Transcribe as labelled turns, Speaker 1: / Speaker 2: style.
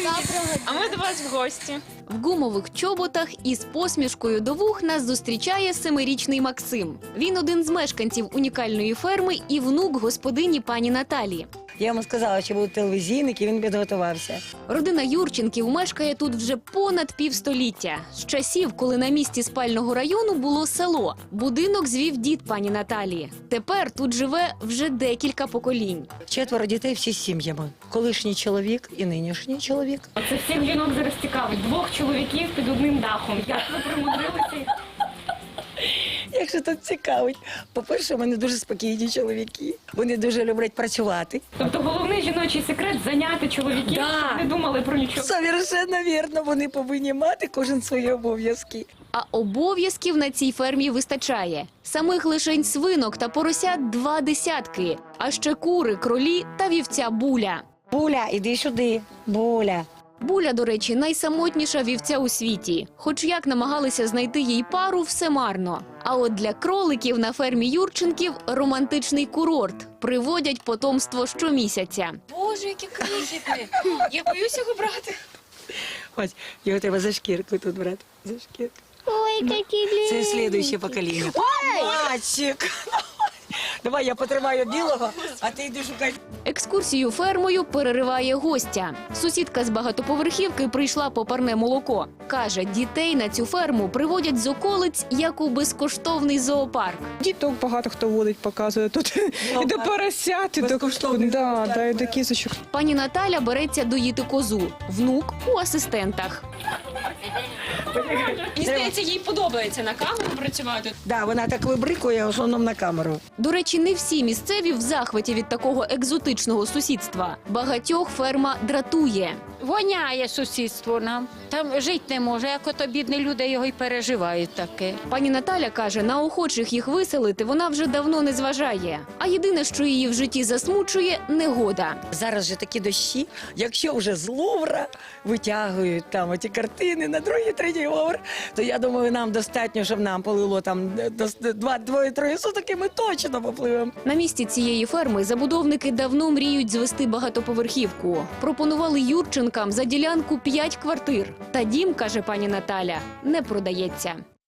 Speaker 1: А ми до вас в гості.
Speaker 2: В гумових чоботах із посмішкою до вух нас зустрічає 7-річний Максим. Він один з мешканців унікальної ферми і внук господині пані Наталі.
Speaker 3: Я йому сказала, що будуть телевізійники, він підготувався.
Speaker 2: Родина Юрченків мешкає тут вже понад півстоліття. З часів, коли на місці спального району було село. Будинок звів дід пані Наталі. Тепер тут живе вже декілька поколінь.
Speaker 3: 4 дітей, всі з сім'ями. Колишній чоловік і нинішній чоловік.
Speaker 1: Це всіх жінок зараз цікавить. 2 чоловіків під одним дахом. Як ви примудрилися?
Speaker 3: Якщо тут цікавить. По-перше, в мене дуже спокійні чоловіки. Вони дуже люблять працювати.
Speaker 1: Тобто головний жіночий секрет – зайняти чоловіків, щоб не думали про нічого.
Speaker 3: Совершенно вірно, вони повинні мати кожен свої обов'язки.
Speaker 2: А обов'язків на цій фермі вистачає. Самих лишень свинок та поросят 2 десятки. А ще кури, кролі та вівця Буля.
Speaker 3: Буля, іди сюди, Буля.
Speaker 2: Буля, до речі, найсамотніша вівця у світі. Хоч як намагалися знайти їй пару, все марно. А от для кроликів на фермі Юрченків романтичний курорт. Приводять потомство щомісяця.
Speaker 1: Боже, які крихітні. Я боюся його брати.
Speaker 3: Ось, його треба за шкірку тут брати. За шкірку.
Speaker 4: Ой, какие
Speaker 3: Це слідуюче покоління. Мальчик! Давай я потримаю білого, а ти йди шукай.
Speaker 2: Екскурсію фермою перериває гостя. Сусідка з багатоповерхівки прийшла по парне молоко. Каже, дітей на цю ферму приводять з околиць, як у безкоштовний зоопарк.
Speaker 5: Діток багато хто водить, показує тут. І до поросят, і до
Speaker 3: Безкоштовний зоопарк,
Speaker 5: і до кізочок.
Speaker 2: Пані Наталя береться доїти козу. Внук у асистентах.
Speaker 1: Мені здається, їй подобається на камеру працювати.
Speaker 3: Да, вона так вибрикує, в основному на камеру.
Speaker 2: До речі, не всі місцеві в захваті від такого екзотичного сусідства. Багатьох ферма дратує.
Speaker 6: Воняє сусідство нам. Там жити не може, як ото бідні люди його й переживають таке.
Speaker 2: Пані Наталя каже, на охочих їх виселити вона вже давно не зважає. А єдине, що її в житті засмучує – негода.
Speaker 3: Зараз же такі дощі, якщо вже з Лувра витягують там оті картини на 2-3 поверх, то я думаю, нам достатньо, щоб нам полило там 2-3 суток, і ми точно попливемо.
Speaker 2: На місці цієї ферми забудовники давно мріють звести багатоповерхівку. Пропонували Юрченкам за ділянку 5 квартир. Та дім, каже пані Наталя, не продається.